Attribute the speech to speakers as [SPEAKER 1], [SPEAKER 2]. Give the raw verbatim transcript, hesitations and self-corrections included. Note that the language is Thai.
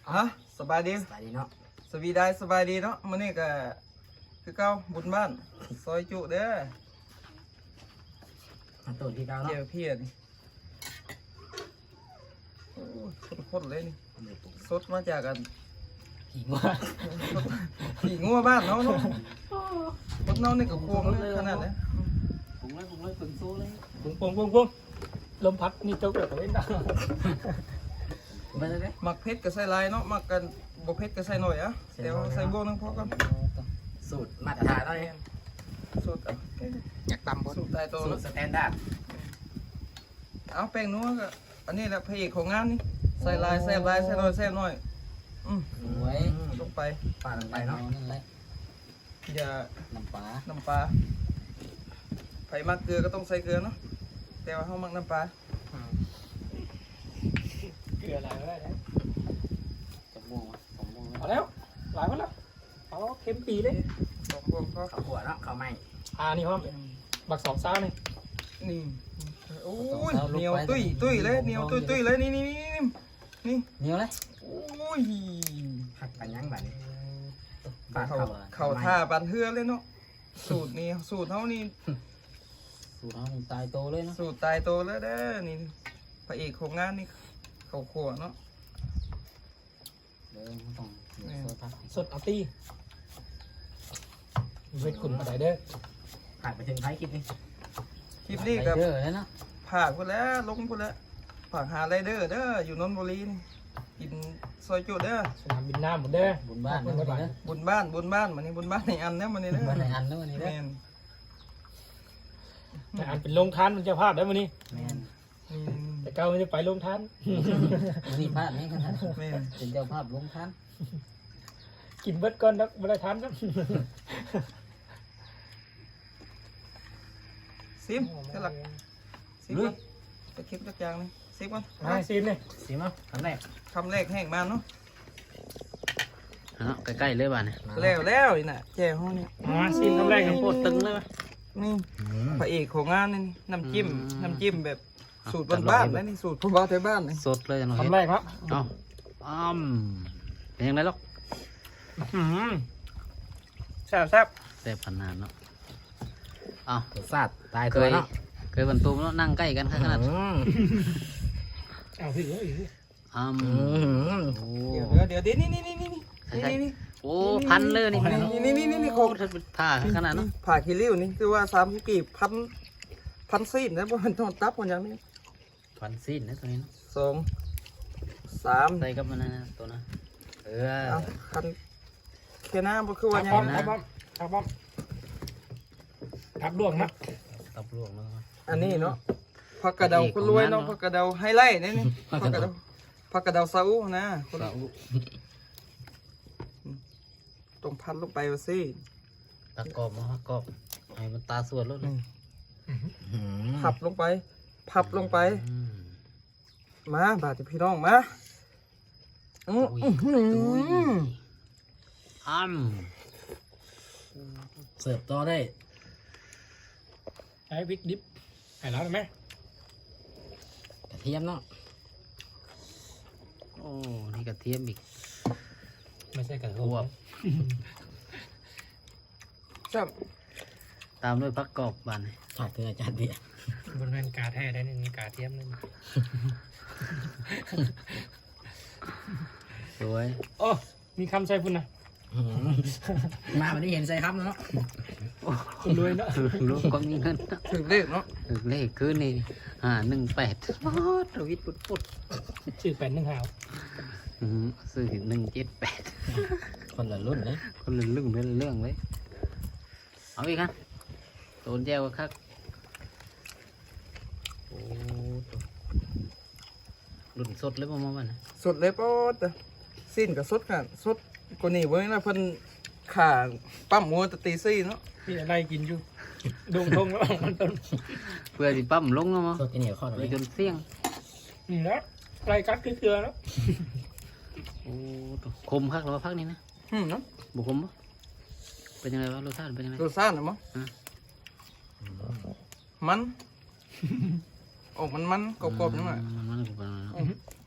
[SPEAKER 1] ฮะสบายดี
[SPEAKER 2] สบายดีเนาะ
[SPEAKER 1] สวีได้สบายดีเนาะมื้อนี้ก็คือเก่าบุญบ้านซอยจุเด้อ
[SPEAKER 2] มาตูดที่เก้าเนาะ
[SPEAKER 1] เจียวเพียนโอ้ยข้นๆเลยนี่สดมาจากกัน
[SPEAKER 2] หิว
[SPEAKER 1] ขี่งัวบ้านเนาะเนาะคนเนานี่ก็พวงเลยขนาดนี้
[SPEAKER 2] ปุ้งเลยปุ้งเลยปุ้งโซ่เลย
[SPEAKER 3] ปุ้งปุ้งปุ้งปุ้งลมพัดนี่เจ้าเกิดอะไรนะ
[SPEAKER 2] ไปเลยเด้
[SPEAKER 1] มักเผ็ดก็ใส่ลายเนาะมักกันบ่เผ็ดก็ใส่หน่อยอะเดี๋ยวใส่บวกนึงพอกัน
[SPEAKER 2] สูตรมาตรฐานเนาะเนี่ย
[SPEAKER 1] สูตรเอา
[SPEAKER 2] อยากตำบน
[SPEAKER 1] สูตรตายตัว
[SPEAKER 2] สูต
[SPEAKER 1] เนาะ
[SPEAKER 2] รสแตนดาร์ด
[SPEAKER 1] เอาแป้งนัวก็อันนี้แหละพระเอกของงานนี่ใส่ลายแซ่บลายใส่หน่อยแซ่บหน่อยอืม
[SPEAKER 2] ไว้
[SPEAKER 1] ลงไป
[SPEAKER 2] ปาดลงไปเนาะนั่นแหละ
[SPEAKER 1] อย่า
[SPEAKER 2] น้ำปลา
[SPEAKER 1] น้ำปลาไผ่มักเกลือก็ต้องใส่เกลือเนาะแต่ว่าเขามักน้ำปลา
[SPEAKER 3] เกลืออะไรก็ได้นะ
[SPEAKER 2] จะม่วงวะสองม่วง
[SPEAKER 3] เอาแล้วหลายวันแล้วเอาเค็มปีเลย
[SPEAKER 1] สองพวงก็
[SPEAKER 2] ข้าวขัวเนาะข้าวไหม้
[SPEAKER 3] อ่านี่ห้อมบักสองซ้านี่
[SPEAKER 1] นี่โอ้ยเหนียวตุ้ยตุ้ยเลยเหนียวตุ้ยตุ้ยเลยนี่นี่นี่นี่
[SPEAKER 2] เหนียวเลย
[SPEAKER 1] โอ้ย
[SPEAKER 2] หักไปยังแบบนี้
[SPEAKER 1] เขาเขาท่าปันเฮือเลยเนาะสูตรนี้สูตรเขานี่
[SPEAKER 2] สูตรเขาตายโตเลยเนาะ
[SPEAKER 1] สูตรตายตัวแล้วเด้อนี่พระเอกของงานนี่เขาขัวเนาะ
[SPEAKER 2] เดี๋ยวต้องโซ่ทัก
[SPEAKER 3] สดเอาตีเวทขุนมาได้เด้อ
[SPEAKER 2] ผ่านไปถึงท้ายคลิปนี้
[SPEAKER 1] คลิปนี้กับ
[SPEAKER 2] เยอะเลยเนาะ
[SPEAKER 1] ผ่ากพุ่นแล้วลงพุ่นแล้วผ่ากหาไรเดอร์เด้ออยู่นนทบุรีนี่กินซอยจุเด้อ
[SPEAKER 3] สนามบินน้ำหมดเด้อ
[SPEAKER 2] บุญบ้านเนาะวันนี้เนาะ
[SPEAKER 1] บุญบ้านบุญบ้านมันนี่บุญบ้านในอันเนี้ยมันนี่เด้อ
[SPEAKER 2] บ้านไหนอันเนาะวันนี้
[SPEAKER 1] แม
[SPEAKER 2] เนาะ
[SPEAKER 1] น
[SPEAKER 3] แต่อันเป็นโรงทานมันจะพลาดได้วันนี้
[SPEAKER 2] แม่น
[SPEAKER 1] นี่
[SPEAKER 3] แต่เก้าไม่ได้ไปโรงทาน
[SPEAKER 2] วันนี้พลาดไหมครับ
[SPEAKER 1] แมน
[SPEAKER 2] เป็นเจ้าภาพลงทัน
[SPEAKER 3] กินเบิดก่อนนะไม่ได้ทานครับ
[SPEAKER 1] ซิมเท่าหลักซิมก่อนจะคลิปจักอย่างนี่ซิมก่อน
[SPEAKER 3] มาซีนเลย
[SPEAKER 2] สิมั้งคำแรก
[SPEAKER 1] คำแรกแห้งมาเนาะ
[SPEAKER 2] เนาะใกล้ๆเลยบ้านเนี่ย
[SPEAKER 1] แล้วแล้วนี่น่ะแจ่ห้องนี่
[SPEAKER 3] มาซีนคำแรกของ
[SPEAKER 2] โค
[SPEAKER 3] โค
[SPEAKER 2] ต
[SPEAKER 3] ต
[SPEAKER 2] ร
[SPEAKER 3] ร
[SPEAKER 2] ตึ
[SPEAKER 3] ตึ
[SPEAKER 2] ง
[SPEAKER 3] ง
[SPEAKER 2] เลย
[SPEAKER 1] นี่พระเอกของงานนี่นี่น้ำจิ้ม
[SPEAKER 2] อืม
[SPEAKER 1] น้ำจิ้มแบบสูตรบ้านๆนะนี่สูตรพ่อบ้านไทยบ้านนี่
[SPEAKER 2] สดเลยน้อง
[SPEAKER 3] คำแรกครับ
[SPEAKER 2] เอ้าอ้อมเป็นยังไงลูก
[SPEAKER 3] แซ่บแซ่บ
[SPEAKER 2] แซ่บขนาดเนาะเอ้าซาดตายตัวเนาะเคยบรรทุกเนาะนั่งใกล้กันขนาด
[SPEAKER 3] เอาพี่เอ้ย
[SPEAKER 2] อ้มโอ้
[SPEAKER 1] เดี๋ยวเดี๋ยวเดี๋ยวนี่นี่นี่นี่นี่นี่นี่
[SPEAKER 2] โอ้พันเลยนี่
[SPEAKER 1] นี่นี่นี่นี่
[SPEAKER 2] โอ้ถ้าเป็นผ้าขนาดเนาะ
[SPEAKER 1] ผ่าคิริ้วนี่คือว่าสามสิบกีบพันพันซีนนะเพราะมันต้องตับมันอย่างนี้
[SPEAKER 2] พันสิ้นนะตัวนี้เนาะ
[SPEAKER 1] สองสาม
[SPEAKER 2] ใส่กับมันนะตัวนะเออ
[SPEAKER 1] เอาคันแค่น้ำก็คือว่า
[SPEAKER 3] เอา
[SPEAKER 1] อย่าง
[SPEAKER 3] ป้อม
[SPEAKER 1] นี้
[SPEAKER 3] เอาป้อมเอาป้อมทับดวงนะ
[SPEAKER 2] ตับลวกเนาะ
[SPEAKER 1] อันนี้เนาะผักกระเดาคนรวยเนาะผักกระเดาไฮไลท์นี่นี่ผักกระเดาผักกระเดาซาอุนะคน
[SPEAKER 2] สาว
[SPEAKER 1] ต้องพันลงไปว่าสิ
[SPEAKER 2] ตะกอบมาตะกอบให้มันตาสวดแล้วเลย
[SPEAKER 1] พับลงไป พับลงไป
[SPEAKER 2] อืม
[SPEAKER 1] มาบาดพี่น้องมาอือ
[SPEAKER 2] อุ้ย
[SPEAKER 1] หือ
[SPEAKER 2] อุ้ยอ้ำเสิร์ฟต่อได้
[SPEAKER 3] ใช้พริกดิบให้แล้วได้ไหม
[SPEAKER 2] กระเทียมเนาะโอ้นี่กระเทียมอีก
[SPEAKER 3] ไม่ใช่กระโถ
[SPEAKER 2] บวบ
[SPEAKER 1] จับ
[SPEAKER 2] ตามด้วยผักกอบบานขาดเกลือจานเดียว
[SPEAKER 3] บนแผ่นกาแท้ได้หนึ่งกาเทียมนึง
[SPEAKER 2] สวย
[SPEAKER 3] โอ้มีคำใส่พุ่นนะ
[SPEAKER 2] มาวันนี้เห็นใส่ครับเนาะ
[SPEAKER 3] คุณรวยเนาะ
[SPEAKER 2] ลูกก็มีเงิน
[SPEAKER 1] ถึงเลขเนาะ
[SPEAKER 2] ถึงเลขคือนี่อ่าหนึ่งแปดทวิตปุดปุด
[SPEAKER 3] ชื่อแปดหนึ่งหาว
[SPEAKER 2] อืมซื้อหนึ่งเจ็ดแปดคนละรุ่นเลยคนละเรื่องเป็นเรื่องเลยเอาอีกครับโดนแจ้วครับโอ้รุ่นสดเลยประมาณนั้น
[SPEAKER 1] สดเลยปอดสิ้นกับสดกันสดกว่านี้เว้ยนะเพิ่นขาปั๊มหัวตะตีซี่เนาะ
[SPEAKER 3] พี่อะไรกินอยู่ดงทงแล้วมันต้น
[SPEAKER 2] เพื่อที่ปั๊มลงแล้วมั้ง
[SPEAKER 4] สดเหนียวข้อหน่
[SPEAKER 2] ไป
[SPEAKER 4] อย
[SPEAKER 2] จนเสี่ยง
[SPEAKER 3] นี่นะไรกัดคือเกลือแล้ว
[SPEAKER 2] โอ้คมพักหรือว่าพักนี้นะ
[SPEAKER 1] อืมเนาะ
[SPEAKER 2] บุคมปะเป็นยังไงวะรสชาติเป็นยังไง
[SPEAKER 1] รสชาตินะมั้ง
[SPEAKER 2] อ่ะ
[SPEAKER 1] มัน ออกมันมันกรอบๆจังหน่อย
[SPEAKER 2] มันมันกรอบๆ